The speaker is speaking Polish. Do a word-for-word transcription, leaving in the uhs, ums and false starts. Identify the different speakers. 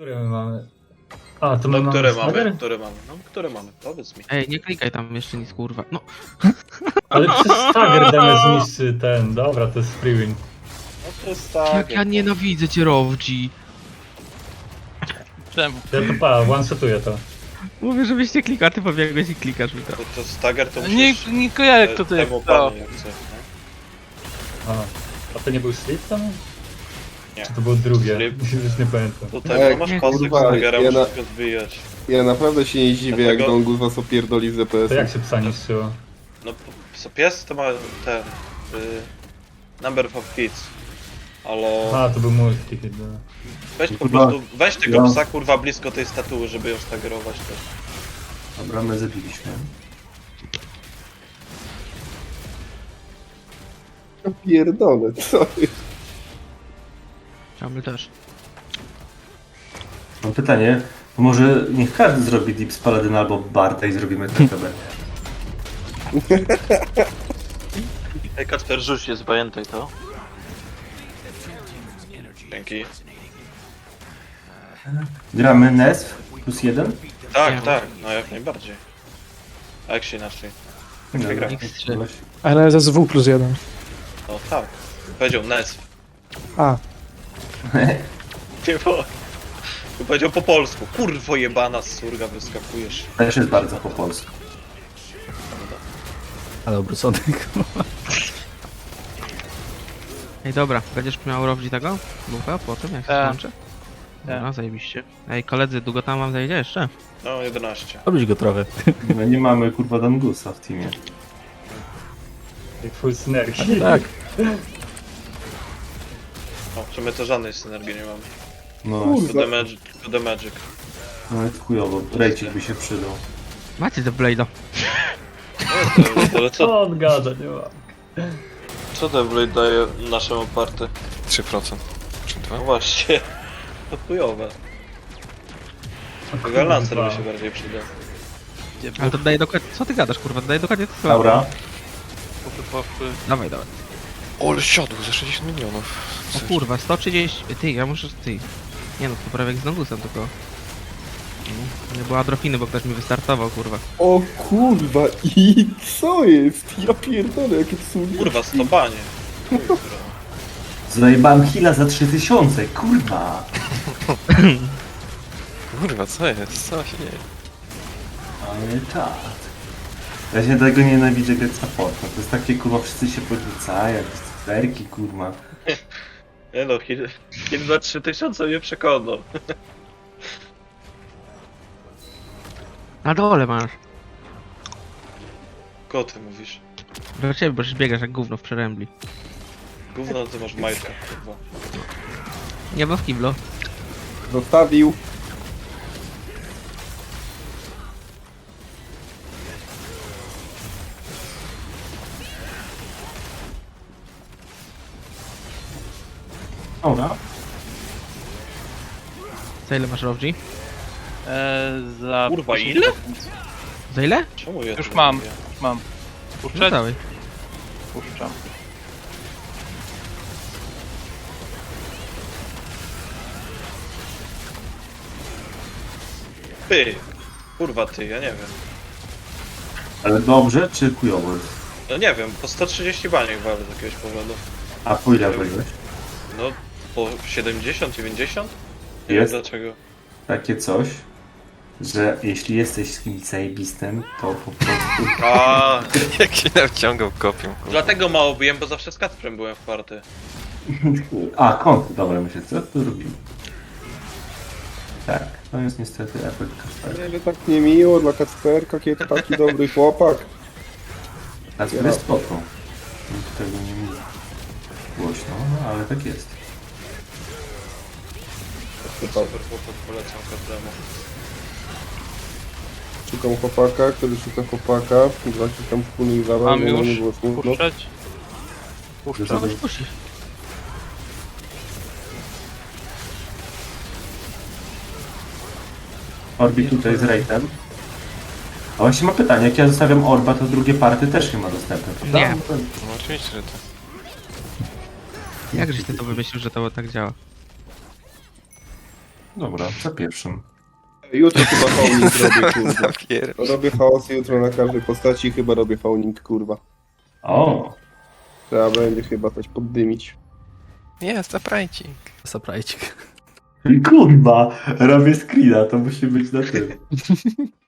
Speaker 1: Które my mamy? A, to my
Speaker 2: No,
Speaker 1: mamy
Speaker 2: które
Speaker 1: Snagger?
Speaker 2: mamy, które mamy, no, które mamy, powiedz mi.
Speaker 3: Ej, nie klikaj tam jeszcze nic, kurwa. No,
Speaker 1: Ale przez Stagger damy zniszczy ten, dobra, to jest free win.
Speaker 2: No to jest tak.
Speaker 3: jak ja nienawidzę cię, Rowdzi.
Speaker 4: Czemu?
Speaker 1: Ja to pa, one-shotuję to.
Speaker 3: Mówię, żebyś nie klikał, a ty pobiegłeś i klikasz mi to.
Speaker 2: To, to stagger to musisz...
Speaker 4: Nie, nie kojarzę kto to jest.
Speaker 2: temu
Speaker 4: To.
Speaker 2: panu jak coś,
Speaker 1: A, a to nie był slip tam?
Speaker 2: Nie.
Speaker 1: Czy to było drugie?
Speaker 2: Slip.
Speaker 1: Już nie pamiętam.
Speaker 2: Do tego
Speaker 5: Ej,
Speaker 2: masz
Speaker 3: nie,
Speaker 2: kostek
Speaker 5: kurwa,
Speaker 2: stagera,
Speaker 5: ja
Speaker 2: musisz
Speaker 5: na-
Speaker 2: go zbijać.
Speaker 5: Ja naprawdę się nie dziwię, jak
Speaker 2: Dlatego-
Speaker 5: Dongus was opierdoli z
Speaker 1: To
Speaker 5: D P S-em.
Speaker 1: jak się psa niszczyło?
Speaker 2: No, p- pies to ma ten... Y, number of hits. Ale...
Speaker 1: A, to był multi chyba.
Speaker 2: Weź po
Speaker 6: Kurwa,
Speaker 2: prostu, weź tego
Speaker 6: ja-
Speaker 2: psa kurwa blisko tej statuły, żeby ją stagerować też.
Speaker 6: Dobra, my zabiliśmy.
Speaker 5: Ja pierdolę, co jest?
Speaker 3: Czamy też.
Speaker 6: Mam pytanie, to może niech każdy zrobi Deep z Paladyna albo Barta i zrobimy T K B.
Speaker 2: Ej, Kacper, rzuć jest, pamiętaj to. Dzięki.
Speaker 6: Gramy N E S plus jeden?
Speaker 2: Tak,
Speaker 3: Nie.
Speaker 2: tak, no jak najbardziej. A jak się inaczej? Jak się gra?
Speaker 3: X trzy.
Speaker 7: N S S W plus jeden.
Speaker 2: No tak. Powiedział N E S.
Speaker 7: A,
Speaker 2: Nie bo... Tu powiedział po polsku. Kurwo jebana z surga wyskakujesz.
Speaker 6: Też jest bardzo po polsku.
Speaker 8: Ale obrócony.
Speaker 3: Ej, dobra, będziesz miał Rowdzi tego? Bufa po tym, jak się
Speaker 4: Tak.
Speaker 3: skończy? Dobra, zajebiście. Ej, koledzy, długo tam wam zajdzie jeszcze?
Speaker 2: No jedenaście.
Speaker 8: Robić go trochę.
Speaker 6: My nie mamy kurwa Dangusa w teamie.
Speaker 1: Jak full synergii.
Speaker 8: Tak.
Speaker 2: No, czy my to żadnej synergii nie mamy.
Speaker 6: No,
Speaker 2: Tylko the magic. Tylko the magic.
Speaker 6: no jest chujowo, Rejcik by się przydał.
Speaker 3: Macie The Blade'a.
Speaker 2: No, to, ale co,
Speaker 1: Co on gada, nie ma.
Speaker 2: co ten Blade daje naszemu party?
Speaker 9: trzy procent. Czy
Speaker 2: No
Speaker 9: dwa?
Speaker 2: właśnie. To chujowe. Tego Lancer by się bardziej przydał.
Speaker 3: Ale to daje dokładnie... Co ty gadasz, kurwa? Daje dokładnie to samo.
Speaker 6: Laura?
Speaker 3: Dawaj, dawaj.
Speaker 9: O, ale siadł za sześćdziesiąt milionów.
Speaker 3: O kurwa, sto trzydzieści... Ty, ja muszę... Ty. Nie no, to prawie jak z Nogusem, tylko... No, nie było adrofiny, bo ktoś mi wystartował, kurwa.
Speaker 5: O kurwa, i co jest? Ja pierdolę, jakie to są
Speaker 2: Kurwa, stopanie.
Speaker 6: Zajebałem Hila za trzy tysiące, kurwa!
Speaker 9: Kurwa, co jest? Co się dzieje?
Speaker 6: Ale czad. Ja się tego nienawidzę grać supporta. To jest takie kurwa, wszyscy się podrzucają, jakieś cyferki kurwa.
Speaker 2: Nie no, Hill Hill za trzy tysiące mnie przekonał.
Speaker 3: Na dole masz.
Speaker 2: Kogo ty mówisz?
Speaker 3: Do ciebie, bo się biegasz jak gówno w przerębli.
Speaker 2: Gówno ty masz w majtkach, kurwa.
Speaker 3: Nie, bo w kiblo.
Speaker 5: Zostawił.
Speaker 6: Dobra.
Speaker 3: Za ile masz Rowdzi?
Speaker 4: E, za
Speaker 2: Kurwa, ile?
Speaker 3: Za ile?
Speaker 2: Czemu ja
Speaker 4: Już
Speaker 2: to
Speaker 4: mam.
Speaker 2: robię?
Speaker 4: Mam.
Speaker 3: No
Speaker 4: Puszczać?
Speaker 3: dawaj.
Speaker 4: Puszczam.
Speaker 2: Ty! Kurwa ty, ja nie wiem.
Speaker 6: Ale dobrze czy chujowo jest?
Speaker 2: No nie wiem, po sto trzydzieści baniek walę z jakiegoś powodu.
Speaker 6: A po ile byłeś?
Speaker 2: No, po siedemdziesiąt, dziewięćdziesiąt? Nie wiem
Speaker 6: Jest
Speaker 2: dlaczego.
Speaker 6: takie coś, że jeśli jesteś z kimś zajebistym, to po prostu...
Speaker 2: A,
Speaker 9: Jak się nawciągał kopią, kurwa.
Speaker 2: dlatego mało byłem, bo zawsze z Kacprem byłem w party.
Speaker 6: A, kąt, dobra, myślę, co tu robimy? Tak, to jest niestety efekt Kasperka.
Speaker 5: Ale tak niemiło dla Kacperka, kiedy taki dobry chłopak.
Speaker 6: Kasper jest spoko. Nikt tego nie mówi głośno, no ale tak jest.
Speaker 2: Super chłopak, polecam każdemu.
Speaker 5: Szukam chłopaka, który szuka chłopaka. Właśnie tam wspólnych zabaw,
Speaker 4: Mam
Speaker 5: żeby
Speaker 4: już.
Speaker 5: nie było smutno.
Speaker 4: Puszczać? Puszczam.
Speaker 3: Kogoś puścisz.
Speaker 6: Orbi tutaj z Rejtem. A właśnie ma pytanie, jak ja zostawiam Orba, to drugie party też nie ma dostępu, prawda?
Speaker 3: Nie.
Speaker 6: No to-
Speaker 9: No oczywiście, że to.
Speaker 3: Jak żeś ty to wymyślił, że to tak działa?
Speaker 6: Dobra, za pierwszym.
Speaker 5: Jutro chyba fauning robię, kurwa.
Speaker 9: Zapier...
Speaker 5: Robię chaos jutro na każdej postaci i chyba robię fauning, kurwa.
Speaker 6: O!
Speaker 5: Trzeba będzie chyba coś poddymić.
Speaker 9: Jest, zaprajcik.
Speaker 8: Surprise.
Speaker 6: Kurwa! Robię screena, to musi być na tym.